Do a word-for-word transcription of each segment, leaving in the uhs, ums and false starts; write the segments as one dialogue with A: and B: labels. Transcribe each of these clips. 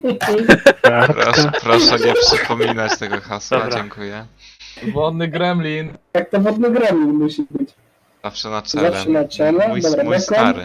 A: Proszę, proszę nie przypominać tego hasła,
B: Dobra.
A: dziękuję.
C: Wodny gremlin.
D: Jak to wodny gremlin musi być.
A: Zawsze na czele.
D: Zawsze na czele?
A: Mój,
D: Dobra,
A: mój
D: Bekon?
A: stary.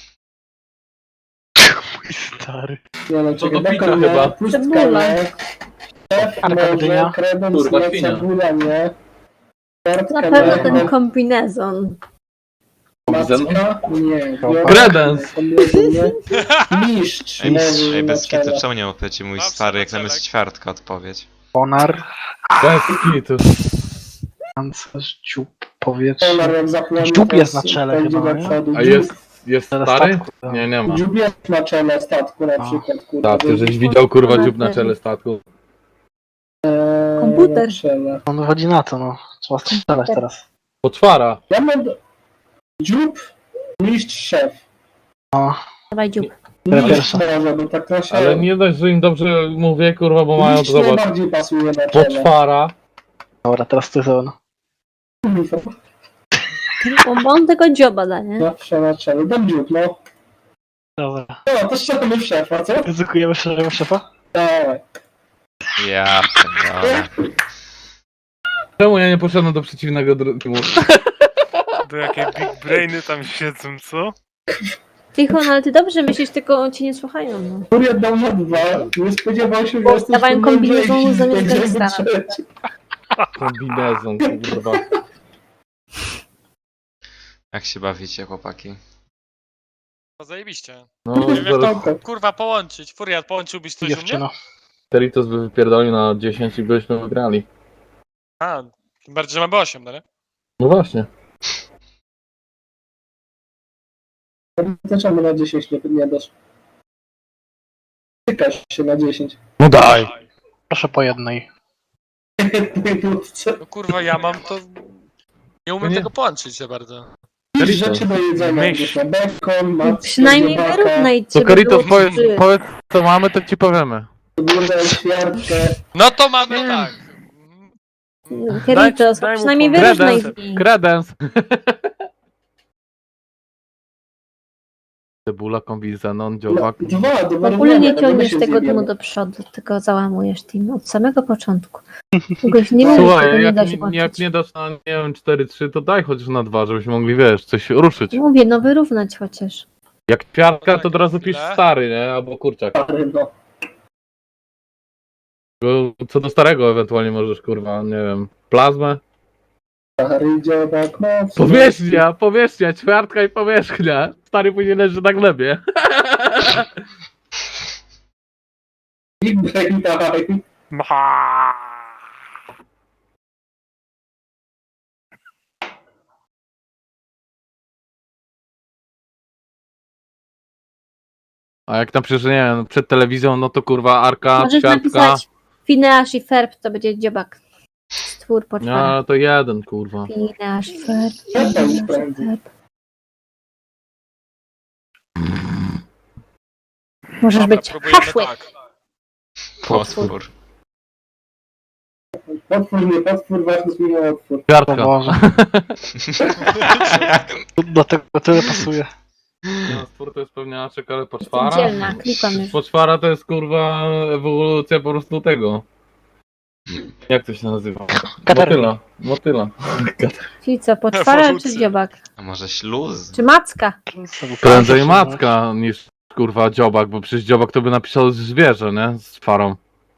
B: Mój stary.
D: Nie no,
C: To
D: czekaj,
C: do picia
D: Bekon
C: chyba.
D: nie, pustka
E: Cebula.
D: nie. Szef
B: Arka
D: może,
B: dynia.
D: kredens
C: Kurwa,
D: nie,
C: świnia.
D: cebula nie.
E: Na
D: Kartka
E: pewno
D: nie,
E: ten kombinezon.
D: macka nie.
C: Kredens.
D: Kombinezon nie. Mistrz
A: Ej, mistrz,
D: może
A: ej,
D: na
A: bez kitu,
D: czele.
A: czemu nie opowiecie mój
F: Zawsze
A: stary,
F: na
A: jak zamiast
F: celek.
A: ćwiartka odpowiedź?
B: Ponar.
C: Bez kitu.
B: Pancerz, dziób, powietrze.
D: Polar jak zapłoni,
B: Dziób
D: to
B: jest na czele
D: będzie
B: chyba,
D: do
B: nie?
D: przodu.
C: A
D: Dziób-
C: jest, jest
B: Teraz
C: stary?
B: statku, tak.
C: Nie, nie ma.
D: Dziób jest na czele statku na
B: A.
D: przykład, kurwa.
C: Tak, ty żeś widział kurwa dziób na czele statku.
D: Eee,
E: Komputer.
D: na czele.
B: On wychodzi na to, no. Trzeba strzelać teraz.
C: Poczwara.
D: Ja mam do- dziób, mistrz, szef.
B: No.
E: Dawaj dziób.
B: Która
D: Mistrz
B: pierwsza?
D: może, bo tak to się...
C: Ale nie dość, że im dobrze mówię, kurwa, bo mają to
D: Mistrz
C: zobacz.
D: najbardziej pasuje na czele.
C: Poczwara.
B: Dobra, teraz ty to.
E: Bo on tego dzioba da, nie?
D: Zawsze na czele. Dam dziób, no.
B: Dobra.
D: No, to strzelamy w szefa, co?
B: Ryzykujemy szeregu szefa?
D: Dawaj.
A: Ja pierdolę.
C: Czemu ja nie poszedłem do przeciwnego dru- teamu?
F: Do jakie big brainy tam siedzą, co?
E: Tichon, ale ty dobrze myślisz, tylko cię nie słuchają, no.
D: Furiat dał na dwa. Nie spodziewał się, że
E: Bo
D: jesteś
E: dawałem
D: tu
E: kombinezon
D: mądrzejsi,
E: zamiast
D: będziemy
E: gangstera.
D: trzeci.
C: Kombinezon, kurwa.
A: Jak się bawicie, chłopaki?
F: No zajebiście.
C: No,
F: Nie wiem,
C: zaraz
F: to, kurwa, połączyć. Furiat, połączyłbyś coś u mnie?
B: Dziewczyno.
C: Teritos by wypierdolił na dziesięć i byśmy wygrali.
F: A, tym bardziej, że mamy osiem, no nie?
C: No właśnie.
D: To czemu na dziesięć nie, nie dasz? Tykasz się na dziesięć.
C: No daj.
B: Proszę po jednej.
F: No kurwa, ja mam to... Nie umiem
C: Nie.
F: tego połączyć za bardzo.
D: Jakieś rzeczy do jedzenia.
F: Myśl.
D: Myśl. Bekon, mackę,
E: Przynajmniej
D: dziobaka,
E: wyrównajcie.
C: To Karitos,
E: by było
C: powiedz,
E: trzy.
C: powiedz co mamy, to ci powiemy.
D: górę, świarkę.
F: No to mamy tak.
E: Karitos,
F: daj mu
E: przynajmniej
F: pomysł.
E: wyrównaj
C: Kredens.
E: z nich.
C: Kredens. Cebula, kombinezonon,
D: No,
C: dziobak.
D: dwa, do
E: W ogóle
D: wyrównania,
E: nie
D: to my
E: ciągniesz
D: się
E: tego
D: zjebiemy.
E: dymu do przodu, tylko załamujesz team od samego początku. Czegoś nie wiem,
C: Słuchaj,
E: tego nie
C: jak,
E: da się
C: nie-
E: łączyć.
C: jak nie dasz na, nie wiem, cztery trzy, to daj chociaż na dwa, żebyśmy mogli, wiesz, coś ruszyć.
E: Mówię, no wyrównać chociaż.
C: Jak kwiatka, to od razu pisz
F: Chwilę.
C: stary, nie? Albo kurczak.
D: Stary, no.
C: Bo co do starego ewentualnie możesz, kurwa, nie wiem, plazmę.
D: Stary, dziobak, moc.
C: Powierzchnia, powierzchnia, ćwiartka i powierzchnia. Stary później leży na glebie.
D: Big brain time.
C: A jak tam przecież, nie wiem, przed telewizją, no to kurwa Arka,
E: Możesz
C: ćwiartka.
E: napisać Phineas i Ferb, to będzie dziobak. Stwór
C: No,
E: poczwara.
C: ale to jeden, kurwa.
E: Phineas i Ferb,
D: Ja tam
E: Phineas i
D: sprawdzę.
E: Ferb. Możesz
F: Dobra,
E: być
F: próbujemy
E: haszłyk.
F: tak.
A: Potwór.
D: Potwór, nie potwór, ważny zmienia otwór.
B: O
C: Ćwiartka.
B: Boże. Do tego tyle pasuje.
C: No, stwór to jest pewniaczek, ale
E: Jestem
C: poczwara.
E: dzielna, klikam już.
C: Poczwara to jest kurwa ewolucja po prostu tego. Jak to się nazywa?
B: Katarina.
C: Motyla. Motyla.
E: Czyli co, poczwara czy
F: Ewolucja.
E: dziobak?
A: A może śluz?
E: Czy macka?
C: Prędzej macka niż kurwa dziobak, bo przecież dziobak to by napisał zwierzę, nie? Z twarą.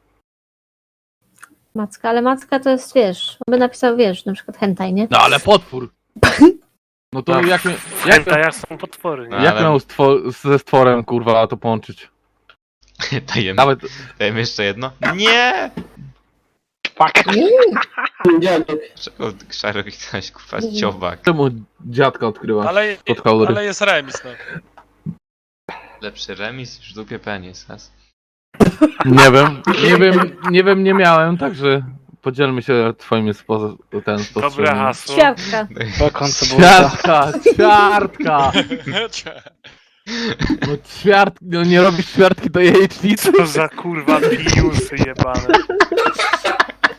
E: Macka, ale macka to jest, wiesz, on by napisał, wiesz, na przykład hentai, nie?
C: No ale potwór! No to
B: Tak.
C: jak, mi- jak,
F: jak są potwory,
A: No,
C: jak
A: ale-
C: miał stwo- ze stworem kurwa to połączyć?
A: Dajemy,
C: Nawet
A: dajemy jeszcze jedno? Nie!
B: Fuck.
D: Dziadek.
A: Czego Szarek chciałeś kupować dziobak?
C: czemu dziadka odkrywa?
F: Ale,
C: Pod haury.
F: ale jest remis, no.
A: Lepszy remis niż w dupie penis, has?
C: Nie wiem, nie wiem, nie wiem, nie miałem, także podzielmy się twoimi spo- ten spostrzeżeniami.
F: hasło.
E: Świadka.
B: Bekon, cebulka.
C: Ćwiartka, ćwiartka! No ćwiart, no nie robisz ćwiartki do jajecznicy?
F: Co za kurwa piusy jebane.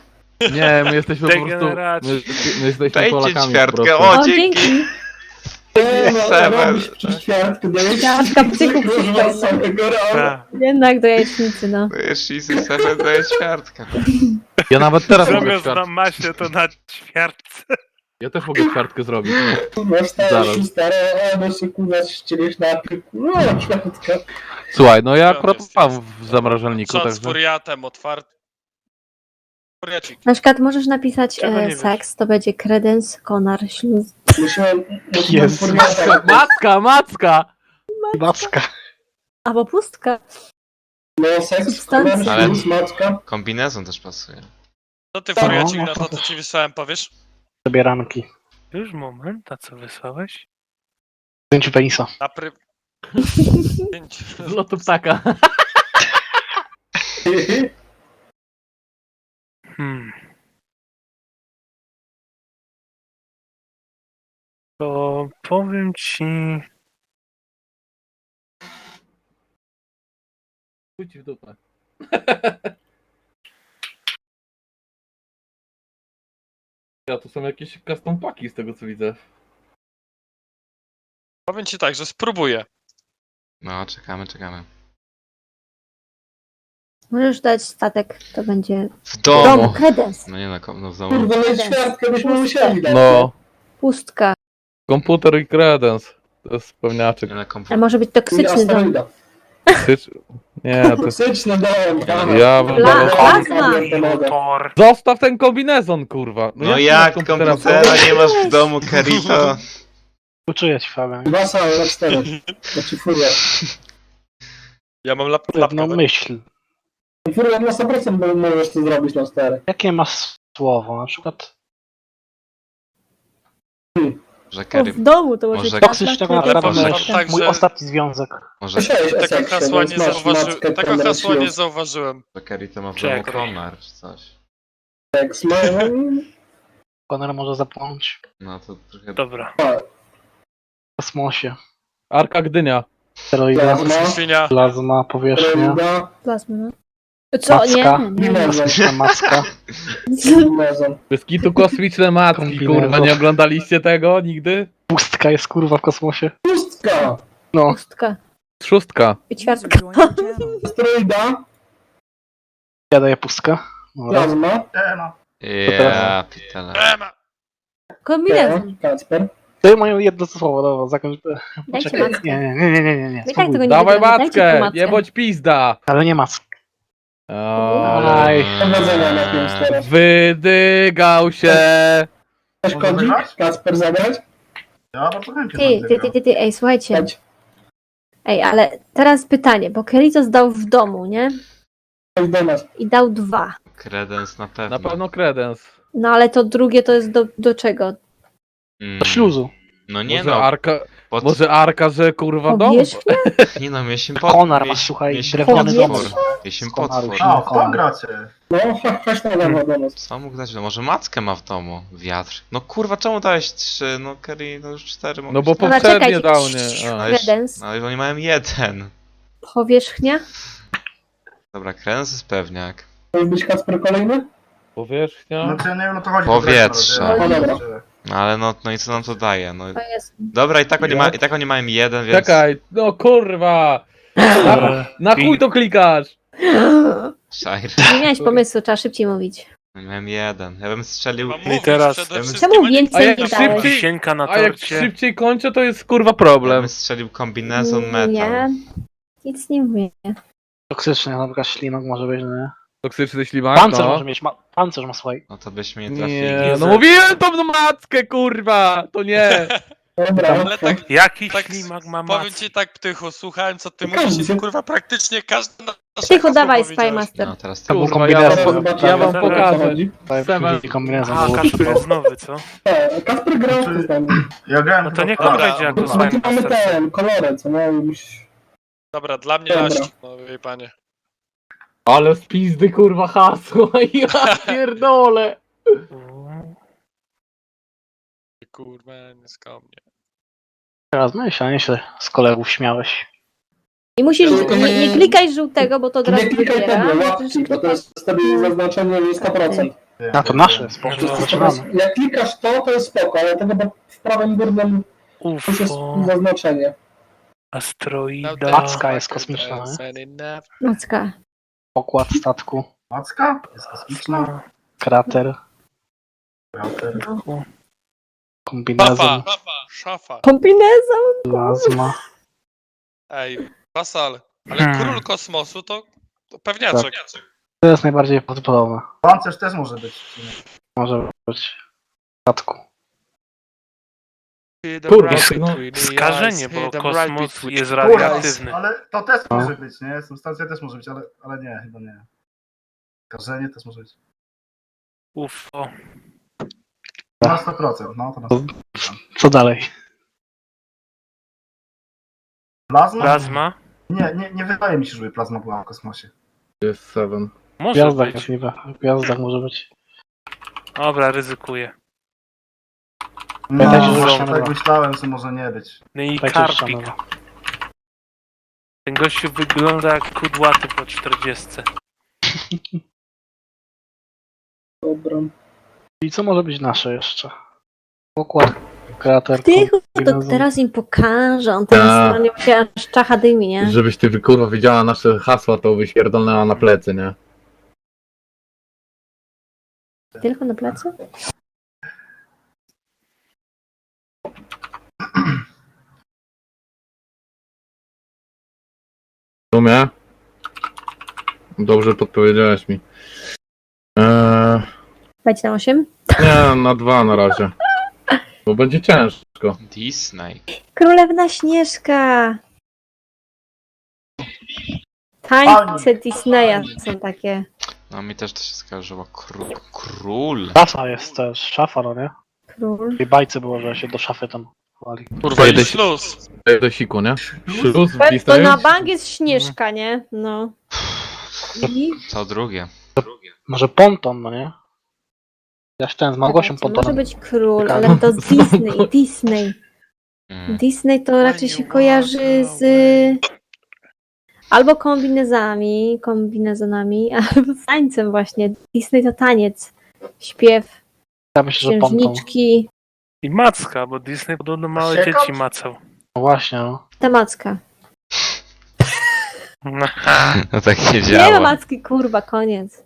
C: Nie, my jesteśmy po prostu, my,
F: Degeneraci.
C: my jesteśmy
A: Dajcie
C: Polakami po
A: ćwiartkę,
C: prostu.
A: o
E: O,
A: dzięki!
E: dzięki.
D: Nie, no,
A: Seven.
D: robisz przez ćwiartkę do
E: Ćwiartka psychów
D: kurwa, z samego rana.
F: Ta.
E: Jednak do jajecznicy, no.
A: To jest Easy Seven, to jest ćwiartka.
C: Ja nawet teraz mogę
F: Zamiast na
C: ćwiartkę.
F: masie to na ćwiartce.
C: Ja też mogę ćwiartkę zrobić.
D: Masz stare,
C: Zaraz.
D: stare, a no się kurwa ścielisz na pyku. No, ćwiartka.
C: Słuchaj, no ja
G: Tam
C: akurat
G: jest,
C: mam
G: jest.
C: w zamrażalniku,
G: Czat z
C: także...
G: furiatem otwarty. Furiacik.
E: Na przykład możesz napisać
F: Czego nie
E: e,
F: wiesz?
E: seks, to będzie kredens, konar, śluz.
D: Musiałem, musiałem
B: Jezus.
D: furiata.
C: Macka, macka!
B: Macka.
E: Albo pustka.
D: No, seks,
E: Substancja.
A: Ale-
D: śluz, maczka.
A: Kombinezon też pasuje.
G: Co ty
B: No,
G: furiacik
B: no,
G: na to,
B: to-
G: co ci wysłałem, powiesz?
B: Zabieranki.
F: Już moment, a co wysłałeś?
B: Zdjęcie penisa.
G: Na pry... Pięć.
C: Z lotu ptaka.
F: Hmm. To powiem ci...
C: Chuj ci w dupę. Ja, to są jakieś custom paki z tego co widzę.
G: Powiem ci tak, że spróbuję.
A: No, czekamy, czekamy.
E: Możesz dać statek, to będzie
A: W
E: w
A: domu!
E: domu, kredens,
A: No nie no, kom- no w domu.
D: Kurwa, no ćwiartkę byśmy musieli dać.
C: No,
E: pustka.
C: komputer i credence. To jest pewniaczek.
A: Nie na
E: A
A: komputer.
E: może być
D: I
E: toksyczny dom.
D: asteroida.
C: Tycz... Nie, to...
D: Toksyczny dom, dawaj.
C: Ja bym
E: Pla-
C: wolał...
E: plazma.
F: Motor.
C: Zostaw ten kombinezon, kurwa!
A: No
C: ty
A: jak
C: masz
A: komputera nie masz w domu, Kerito?
B: Uczuję ci, Fabian.
D: Dwa same na cztery. Znaczy furia.
G: Ja mam lap
B: Pewną
G: lapkę.
B: myśl.
D: Furia na sto procent bo możesz to zrobić na cztery.
B: Jakie masz słowo? Na przykład
A: Że
E: O,
A: Kerry...
E: w domu to może
A: Może-
E: być
B: toksycznego
E: kredens,
B: naprawdę
A: może-
B: myśl.
G: tak,
B: Mój
G: że-
B: ostatni związek.
A: Może,
D: Słyszałeś o
G: Tego
D: seksie,
G: hasła
D: więc
G: nie
D: masz
G: zauważyłem.
D: matkę,
G: Tego
D: Kender
G: hasła nie
D: Shields.
G: zauważyłem.
A: że Kerry to ma w
F: Czekaj.
A: domu konar czy coś.
D: Seks, no,
B: Konor może zapłonąć
A: No to trochę...
F: Dobra.
B: w kosmosie.
C: Arka Gdynia.
B: Steroida,
D: Plazma.
G: Świnia.
B: plazma, powierzchnia,
D: Asteroida.
E: plazma, no. Co? Nie,
B: Macka.
E: nie, nie.
D: Mimezon.
B: kosmiczna macka.
D: Mimezon.
C: Bez kitu kosmiczne matki,
B: Kombinezon.
C: kurwa, nie oglądaliście tego nigdy?
B: Pustka jest kurwa w kosmosie.
D: Pustka.
B: No,
E: Pustka.
C: Szóstka.
E: I ćwiartka.
D: Asteroida.
B: ja daję pustka. Dobra.
D: Plazma.
A: Ja, pitele.
G: Ema.
E: Kombinezon.
D: Kacper.
B: To moje jedno słowo, dobra, zakończ.
E: Dajcie
B: Poczekaj.
E: mackę.
B: Nie, nie, nie, nie, nie, nie, nie.
E: My tak
B: Spróbuj.
E: tego nie
C: Dawaj
E: wygramy, dajcie tu
C: matkę,
E: mackę.
C: nie bądź pizda.
B: Ale nie mack.
C: Oj,
D: Powodzenia na tym teraz.
C: wydygał się.
D: Coś kodzi? Kacper zabrać?
E: Ty, ty, ty, ty, ty, ej, słuchajcie.
D: Chodź.
E: Ej, ale teraz pytanie, bo Kerito zdał w domu, nie?
D: Chodź do nas.
E: I dał dwa.
A: Kredens na pewno.
C: Na pewno kredens.
E: No ale to drugie to jest do, do czego?
A: Mm,
B: Do śluzu.
A: No nie
C: Może
A: no,
C: Arka,
A: pod...
C: może Arka, że kurwa dom?
E: Powierzchnia?
A: nie no, mieliśmy
B: Konar
A: pod...
B: masz, słuchaj,
A: mieliśmy
B: drewniany
E: dom.
A: potwór. Mieliśmy
B: Z konaru
A: potwór.
B: się-
H: A, to gracie.
D: No, chodź, chodź na lewo do nas.
A: Co mógł dać? No może mackę ma w domu. Wiatr. No kurwa, czemu dałeś trzy? No Kerry, no już cztery mogłeś
C: No bo
A: dać.
E: Dobra,
C: poprzednie
E: czekajcie.
C: dał, nie? A.
A: No już-
E: Kredens.
A: No i oni mają jeden.
E: Powierzchnia?
A: Dobra, kredens jest pewniak.
D: Chcesz być Kacper kolejny?
C: Powierzchnia.
H: No to ja nie wiem, o to chodzi.
A: Powietrze.
H: Ja-
D: No
H: ja-
D: dobra.
A: No ale no, no i co nam to daje? No
E: To jest.
A: dobra, i tak oni, ma, i tak oni mają jeden, więc...
C: Czekaj, no kurwa. Na, na chuj to klikasz.
A: Szajr.
E: Nie miałeś pomysłu, trzeba szybciej mówić.
A: Oni mają jeden. Ja bym strzelił...
G: Mam
F: I
G: mówić
F: teraz-
G: przede
A: Czemu
G: wszystkim, a nie
E: więcej
C: A jak
E: nie
G: klikać.
E: dałeś?
C: szybciej-
F: Wisienka na
C: A jak
F: torcie.
C: szybciej kończę, to jest kurwa
A: Ja
C: problem.
A: bym strzelił kombinezon metal.
E: Nie, nic nie mówię.
B: Toksyczny, na przykład ślimak może być, no nie?
C: Toksyczny ślimak,
B: Pancerz
C: no.
B: może mieć, ma... pancerz ma słuchaj.
A: No to byśmy nie trafili.
C: Nie, no mówiłem tą mackę, kurwa, to nie.
D: Dobra.
G: Ale tak,
F: Jaki
G: tak
F: ślimak ma
G: powiem
F: mackę?
G: ci tak, Ptychu, słuchałem co ty
D: Każdy
G: mówisz i
D: się-
G: kurwa praktycznie każdy na nasze
E: Tycho,
G: hasło
E: dawaj,
G: powiedziałeś.
E: Spymaster.
A: No teraz
B: To był
C: Kurwa, ja
B: kombinezon.
C: wam, ja wam
F: Dobra,
C: pokażę.
B: Seven. Kombinezon.
F: A,
B: był.
F: Kasper jest nowy, co?
D: E, Kacper grał w tym.
H: Ja grałem
F: No to niech
H: chyba-
F: on
G: Dobra,
F: będzie jako
D: Bo tu mamy
F: Spymaster.
D: ten, kolory, co nie? Już...
G: Dobra, dla mnie
D: Dobra.
G: laścik, no wie panie.
C: Ale z pizdy, kurwa, hasło, ja pierdolę.
G: Kurwa, nie skomnie.
B: Teraz myśl, a nie się z kolegów śmiałeś.
E: I musisz,
D: Tylko
E: nie, nie klikaj żółtego, bo to od razu
D: Nie klikaj
E: wybiera.
D: tego,
E: Musisz
D: łapki, bo to
E: klikać-
D: jest wtedy zaznaczenie sto procent.
B: A to nasze,
F: No
B: spoko,
F: to-
B: zaczynamy.
D: Jak klikasz to, to jest spoko, ale tego bo w prawym górnym To już jest
F: UFO,
D: zaznaczenie.
F: asteroida.
B: Macka jest kosmiczna,
E: Macka.
B: Pokład statku,
H: Macka? Jest kosmiczna?
B: krater,
H: Krater.
B: kombinezon,
G: Szafa! Szafa!
E: Kombinezon.
B: plazma.
G: Ej, Wasal, ale
F: Hmm.
G: król kosmosu to, to pewniaczek.
B: To jest najbardziej prawdopodobne.
H: Pancerz też może być.
B: Może być w statku.
C: Kurwa, no,
F: Skażenie, bo kosmos jest
H: Kurwa,
F: radioaktywny.
H: ale to też
B: No.
H: może być, nie? Substancja też może być, ale, ale nie, chyba nie. Skażenie też może być.
F: UFO.
H: Na sto procent, no to na sto procent.
B: Co dalej?
H: Plazma?
F: Plazma?
H: Nie, nie, nie wydaje mi się, żeby plazma była w kosmosie.
C: jest Seven.
B: W
F: Może
B: gwiazdach
F: być.
B: jest niby. W gwiazdach może być.
F: Dobra, ryzykuję.
H: No,
B: Pamiętajcie, że
H: tak
B: ścianowa.
H: myślałem, że może nie być.
F: No i
B: Tak
F: Karpik.
B: ścianowa.
F: Ten gościu wygląda jak kudłaty po czterdziestce.
D: Dobra.
B: I co może być nasze jeszcze? Pokład, krater,
E: Ty, to
B: kombinezon.
E: teraz im pokażę. On teraz
C: Tak.
E: no, nie będzie aż czacha dymi, nie?
C: Żebyś ty kurwa wiedziała nasze hasła, to byś pierdolnęła na plecy, nie?
E: Tylko na plecy?
C: W sumie? Dobrze podpowiedziałeś mi. Eee,
E: Będzie na osiem?
C: nie, na dwa na razie. Bo będzie ciężko.
A: Disney.
E: Królewna Śnieżka. Tańce Disneya są takie.
A: No mi też to się skojarzyło. Kró król.
B: Szafa jest też, szafa, no nie?
E: Król.
B: W tej bajce było, że się do szafy tam chowali.
G: Kurwa,
C: Jedę
G: i
C: się-
G: śluz.
C: Do siku, nie? Śluz w
E: To
C: Disneyu?
E: na bank jest Śnieżka, nie? No. I
A: Co drugie.
B: Może ponton, no nie? Ja ten z Małgosią
E: to może
B: pontonem.
E: być król, ale to Disney, Disney.
A: Mm.
E: Disney to raczej się kojarzy z albo kombinezami, kombinezonami, albo z tańcem właśnie. Disney to taniec, śpiew,
B: Ja myślę, że ponton.
E: księżniczki,
F: I macka, bo Disney podobno małe
H: Siekacz?
F: dzieci macał.
B: No właśnie, no.
E: temacka.
A: No tak nie
E: Nie ma
A: działa.
E: macki, kurwa, koniec.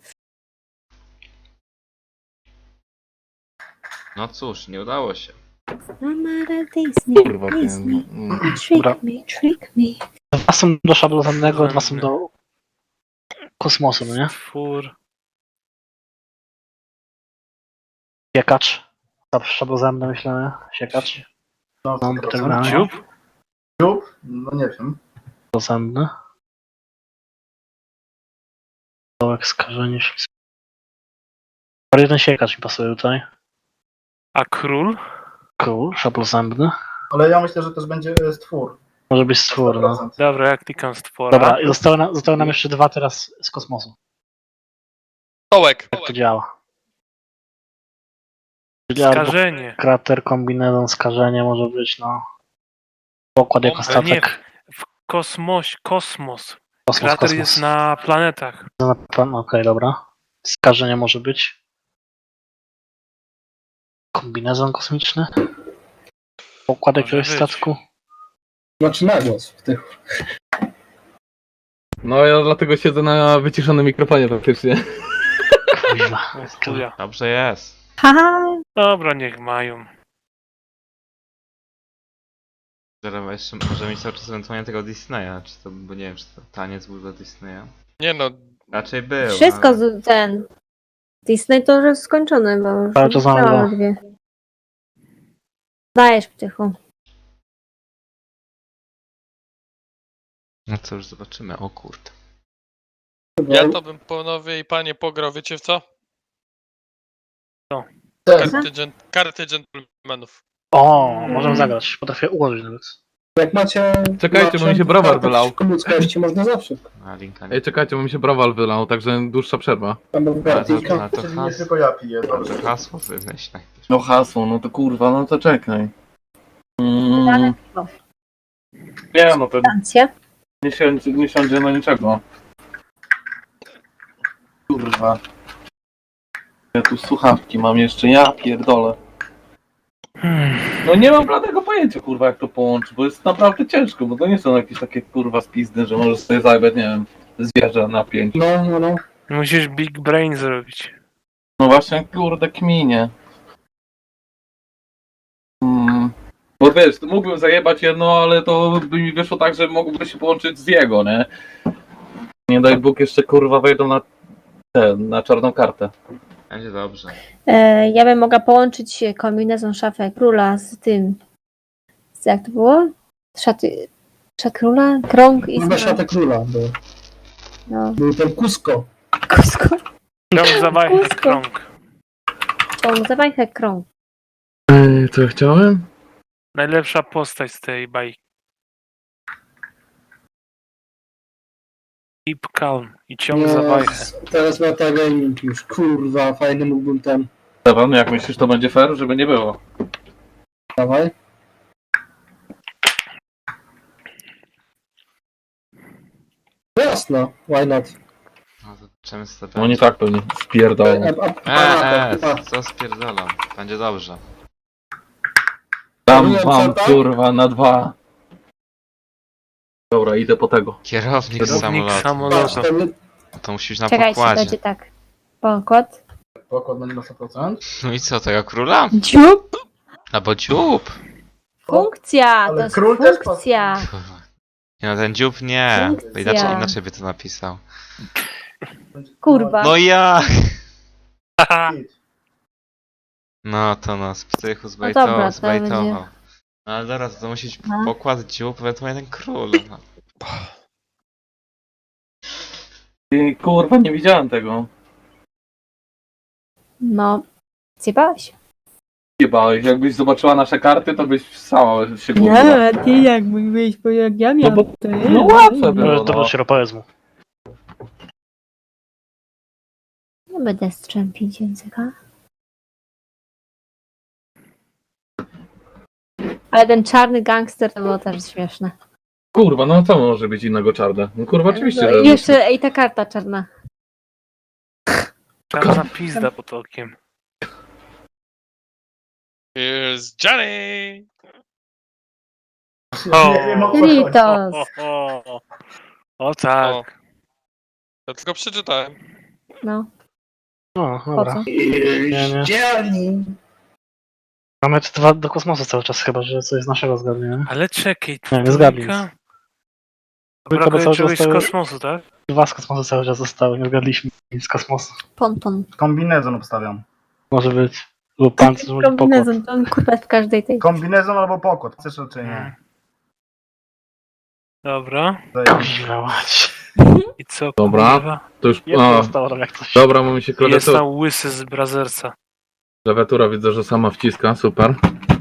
A: No cóż, nie udało się.
E: Amara Disney,
C: Kurwa, nie,
E: Disney,
C: no,
E: trick
B: Dobra.
E: me, trick me.
B: Dwa są do szablonnego, dwa są do kosmosu, no nie?
F: Twór.
B: Siekacz. Szablozemny myślę, nie? Siekacz.
H: No,
B: Mam
H: sto procent.
B: terminalnie.
F: Dziób?
H: Dziób? No nie wiem.
B: Szablozemny. Dołek, skażenie, ślizg. Jeden siekacz mi pasuje tutaj.
F: A król?
B: Król, szablozębny.
H: Ale ja myślę, że też będzie e, stwór.
B: Może być stwór,
H: sto
B: no.
H: procent.
F: Dobra, jak klikam stwora.
B: Dobra, i zostały, na, zostały nam jeszcze dwa teraz z kosmosu.
G: Tołek.
B: Jak to działa? Czyli albo
F: Skażenie.
B: krater, kombinezon, skażenie może być, no. Pokład jako
G: Bomba,
F: nie,
B: statek.
F: w kosmos, kosmos.
B: Kosmos,
F: Krater
B: kosmos.
F: jest na planetach.
B: Na plan- Okej, dobra. Skażenie może być. Kombinezon kosmiczny. Pokład
F: Może
B: jakiegoś
F: być.
B: statku.
D: Znaczy na głos w tych.
C: no ja dlatego siedzę na wyciszonym mikrofonie praktycznie.
B: Kurwa.
F: O chuja.
A: Dobrze jest.
E: Haha,
F: Dobra, niech mają.
A: Teraz jeszcze może mieć cały czas ewentualnie tego Disneya, czy to, bo nie wiem, czy to taniec był do Disneya.
G: Nie no,
A: Raczej był.
E: wszystko
A: ale...
E: z ten. Disney to już jest skończony, bo już
B: Ale to samo
E: wygrałam
B: było.
E: dwie. Dajesz ptychu.
A: No to już zobaczymy, o kurde.
G: ja to bym panowie i panie pograł, wiecie w co?
F: Co?
D: Tak,
G: Karty, gen karty dżentelmenów.
B: O, możemy zagrać. Potrafię ułożyć nawet.
D: jak macie...
C: Czekajcie, bo mi się browar
D: kartę
C: wylał.
D: przeciwko ludzkości można zawsze.
A: A linka nie.
C: Ej, czekajcie, bo mi się browal wylał, także dłuższa przerwa.
D: Albo w
A: Ale
D: Gartika.
A: to, ale to,
H: Czyli nie
A: has...
H: tylko ja piję, dobrze.
A: to hasło wymyśl najpierw.
C: No hasło, no to kurwa, no to czekaj.
E: Dane
C: Mm,
E: piwo.
C: nie, no to
E: Stancję.
C: nie siądzie, nie siądzie na niczego.
H: Kurwa.
C: Ja tu słuchawki mam jeszcze, ja pierdolę.
F: Hmm.
C: No nie mam bladego pojęcia. pojęcia, kurwa, jak to połączyć, bo jest naprawdę ciężko, bo to nie są jakieś takie, kurwa, spizdy, że możesz sobie zajebać, nie wiem, zwierzę na pięć.
D: No, no, no.
F: Musisz Big Brain zrobić.
C: No właśnie, kurde, kminie. Hmm. Bo wiesz, mógłbym zajebać jedno, ale to by mi wyszło tak, że mogłoby się połączyć z jego, nie? Nie daj Bóg, jeszcze kurwa wejdą na te, na czarną kartę.
A: Będzie dobrze.
E: E, ja bym mogła połączyć kombinezon szafę króla z tym. Z, jak to było? Szaty. Szat króla? Krąg i
D: Chyba szata króla był.
E: No.
D: Był ten Kusko.
E: Kusko.
F: Krąg za wajchę,
E: Kusko.
F: krąg.
E: Krąg, zawajchę krąg.
C: Yy, co ja chciałem?
F: Najlepsza postać z tej bajki. Keep calm i ciąg za wajchę.
D: Yes. Teraz metagaming już. Kurwa, fajny mógłbym ten.
C: Stefan, jak myślisz, to będzie fair, żeby nie było?
D: Dawaj. Jasno, why not?
A: No to często
C: No nie tak pewnie, wpierdolą.
D: A, a,
A: Eee,
D: a, a,
A: eee, co spierdolam? Będzie dobrze.
C: Tam
D: Nie,
C: mam,
D: co tam?
C: kurwa, na dwa. Dobra, idę po tego.
A: Kierownik z
F: Kierownik
A: samolotu.
F: samolotu.
D: patrz, ten
A: To musi być na
E: Czekajcie,
A: pokładzie.
E: będzie tak. Pokład.
H: Pokład będzie na sto procent.
A: No i co, tego króla?
E: Dziób!
A: Albo dziób.
E: Funkcja!
H: Ale
E: To jest
H: król też
E: funkcja!
A: Kurwa. Nie no, ten dziób nie.
E: Funkcja.
A: Inaczej, inaczej by to napisał.
E: Kurwa.
A: No jak?
F: Haha.
A: No to nas psychu
E: No
A: zbejtował,
E: dobra, to
A: zbejtował.
E: będzie-
A: No ale zaraz, to musi być
E: No.
A: pokład dziób, ewentualnie ten król. No.
C: Ty, kurwa, nie widziałem tego.
E: No. Zjebałeś?
C: Jebałeś, jakbyś zobaczyła nasze karty, to byś sama się kurwa.
E: ty jak mówiłeś, bo jak ja
C: No bo,
E: to
C: no łatwe
B: To
C: było,
B: jest
C: no.
B: do sieropoezmu.
E: Nie będę strzępić języka. Ale ten czarny gangster to było też śmieszne.
C: Kurwa, no co może być innego czarne? No kurwa, oczywiście,
E: No
C: że...
E: i jeszcze, ej, ta karta czarna.
F: Czarna pizda pod okiem.
G: Here's Johnny!
F: O,
H: Nie wiem o co chodzi.
E: Ritos.
F: o, o, o tak.
G: O. Ja tylko przeczytałem.
E: No,
B: No,
E: po
B: dobra.
E: co?
B: Nie, nie.
D: Dzielni.
B: Mamy dwa do kosmosu cały czas chyba, że coś z naszego zgadnie, nie?
F: Ale czekaj,
B: Nie, nie zgadnij.
F: trójka?
B: Trójka, bo
F: Brakuje
B: cały
F: czegoś
B: czas
F: z
B: to-
F: kosmosu, tak?
B: Dwa z kosmosu cały czas zostały, nie zgadliśmy nic z kosmosu.
E: Ponton.
H: Kombinezon obstawiam.
B: Może być. Lub pancerz, może pokład.
E: Kombinezon, to on kurwa w każdej tej.
H: Kombinezon albo pokład. Chcesz czy
F: Mm.
H: nie?
F: Dobra.
H: Zajebiście.
B: Kurwa mać.
F: I co,
C: Dobra.
F: kurwa?
C: To już...
B: Jedno
C: A,
B: zostało tam jak coś.
C: dobra, bo mi się
F: Jest
C: klawiatura...
F: tam łysy z Brazersa.
C: Klawiatura widzę, że sama wciska, super.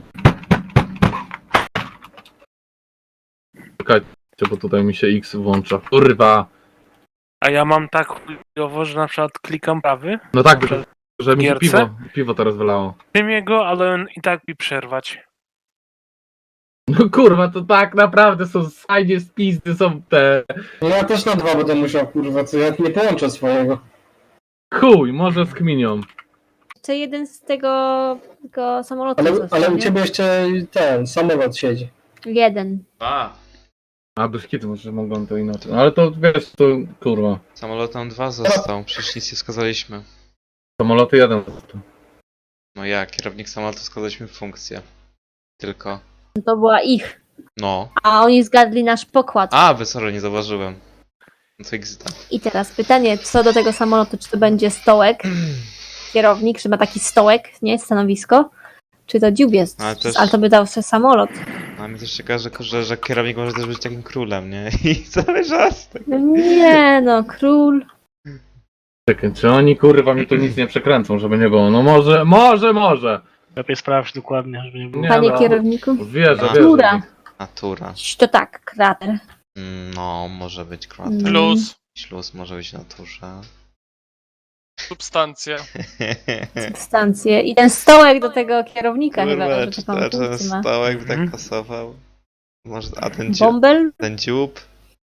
C: Czekajcie, bo tutaj mi się X włącza. Kurwa!
F: A ja mam tak chujowo, że na przykład klikam prawy,
C: No tak,
F: Dobrze.
C: że mi się
F: Gierce?
C: piwo, piwo teraz wylało.
F: tym jego, ale on i tak mi przerwać.
C: No kurwa, to tak naprawdę są fajnie spizdy, są te...
D: No ja też na dwa będę musiał, kurwa, co ja nie połączę swojego.
C: Chuj, może z kminią.
E: Jeszcze jeden z tego, tego samolotu
D: Ale,
E: został,
D: ale u
E: nie?
D: ciebie jeszcze ten samolot siedzi.
E: Jeden.
A: Dwa.
C: A bez kitu, może mogą to inaczej. No ale to wiesz, to kurwa.
A: Samolotem dwa został, przecież nic nie skazaliśmy.
C: Samoloty jeden.
A: No jak, kierownik samolotu skazaliśmy w funkcję. Tylko.
E: To była ich.
A: No.
E: A oni zgadli nasz pokład.
A: A, wy sorry, nie zauważyłem. No to exita.
E: I teraz pytanie, co do tego samolotu, czy to będzie stołek, kierownik, czy ma taki stołek, nie, stanowisko, czy to dziób jest,
A: Ale też-
E: ale to by dał sobie samolot.
A: No, a mi też ciekawe, że, że, że kierownik może też być takim królem, nie? I cały czas tak.
E: No nie no, król.
C: Czekaj, czy oni kurwa mi tu nic nie przekręcą, żeby nie było? No może, może, może.
B: Lepiej sprawdź dokładnie, żeby nie było.
C: Nie,
E: Panie
C: no.
E: kierowniku.
C: Wierzę, wierzę.
E: Natura.
A: Natura.
E: To tak, krater.
A: Mm, No, może być krater.
E: Mm.
G: Plus
A: Śluz może być w naturze.
G: substancja.
E: Substancje. I ten stołek do tego kierownika chyba,
A: Kurwa,
E: że
A: czy
E: taką
A: to, ten
E: funkcję ma.
A: stołek by tak
F: Mhm.
A: pasował? Może, a ten dziób?
E: Bąbel?
A: Ten dziób?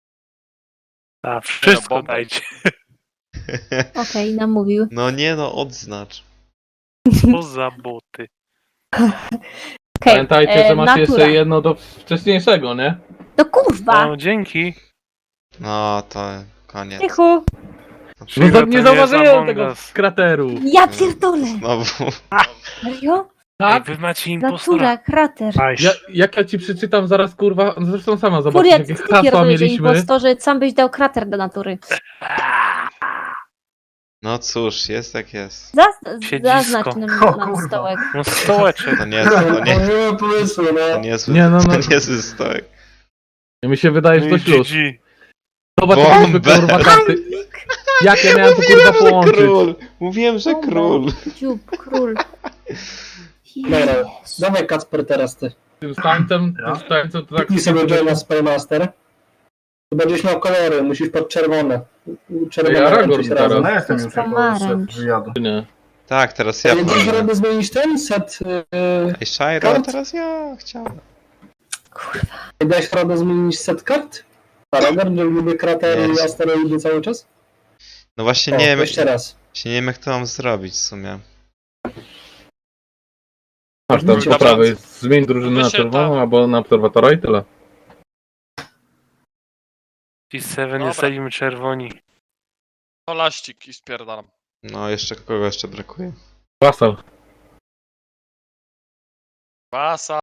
F: A wszystko
G: bombę.
F: dajcie.
E: Okej, namówił.
A: No nie no, odznacz.
F: Co za boty.
E: Okej,
C: Pamiętajcie,
E: e,
C: że macie
E: natura.
C: jeszcze jedno do wcześniejszego, nie?
E: No kurwa!
F: No, dzięki.
A: No to koniec.
E: Cichu!
C: No
F: Shiva
C: za,
F: to
C: nie
F: jest
C: zauważyłem
F: Among
C: tego
F: Us.
C: krateru.
E: Ja pierdolę!
A: Znowu.
E: Serio?
F: Ej,
C: Tak?
F: wy macie impostora.
E: Natura, krater.
B: Nice.
C: Ja, jak ja ci przeczytam zaraz, kurwa, zresztą sama zobaczysz,
E: Furiat,
C: jakie
E: ty
C: hasła
E: pierdolisz, że
C: mieliśmy.
E: impostorze, sam byś dał krater do natury.
A: No cóż, jest jak jest.
E: Zaz-
F: Siedzisko.
E: zaznacz nam,
H: O
E: nam
H: kurwa.
E: stołek.
F: No stołeczek.
A: To nie, to nie,
D: Nie ma pomysłu,
A: to
D: no.
A: niezły,
C: Nie, no, no.
A: to niezły stołek.
C: Mi się wydaje, że
F: No
C: to
F: i
C: śluz.
F: G G.
C: Zobacz,
A: Bombę.
C: jakie kurwa karty. Jak ja miałem to kurwa połączyć?
A: Król! Mówiłem, że
E: Bombę.
A: król.
E: Dziób, król.
D: Dobra,
E: Jezu.
D: dawaj Kacper teraz ty.
C: Tym stańcem,
H: Ja?
C: tym stańcem to tak...
D: Kliknij sobie Joina Spellmaster. Tu będziesz miał kolory, musisz pod czerwone. Czerwone
C: Ja Aragorn
D: łączyć
C: teraz.
D: razem.
H: No ja jestem już jako
E: Pomarańcz.
H: szef wyjadu.
C: Nie.
A: Tak, teraz ja
D: Ja będziesz
A: powiem.
D: radę zmienić ten set. Yy,
A: Ej, Shiro,
D: Kart?
A: teraz ja chciałem.
E: Kurwa.
D: dałeś radę zmienić set kart? Aragorn, że lubię kratery
A: Nie.
D: i asteroidy cały czas?
A: No właśnie
D: O,
A: nie wiem,
D: jeszcze raz.
A: właśnie nie wiem jak to mam zrobić w sumie.
C: Masz tam po
D: Dobra.
C: prawej, zmień drużynę na
G: Wyświetlam.
C: czerwoną albo na obserwatora i tyle.
F: Ci Seven
G: Dobra.
F: jesteśmy czerwoni.
G: To laścik i spierdalam.
A: No jeszcze kogo jeszcze brakuje?
C: Wasal.
G: Wasa.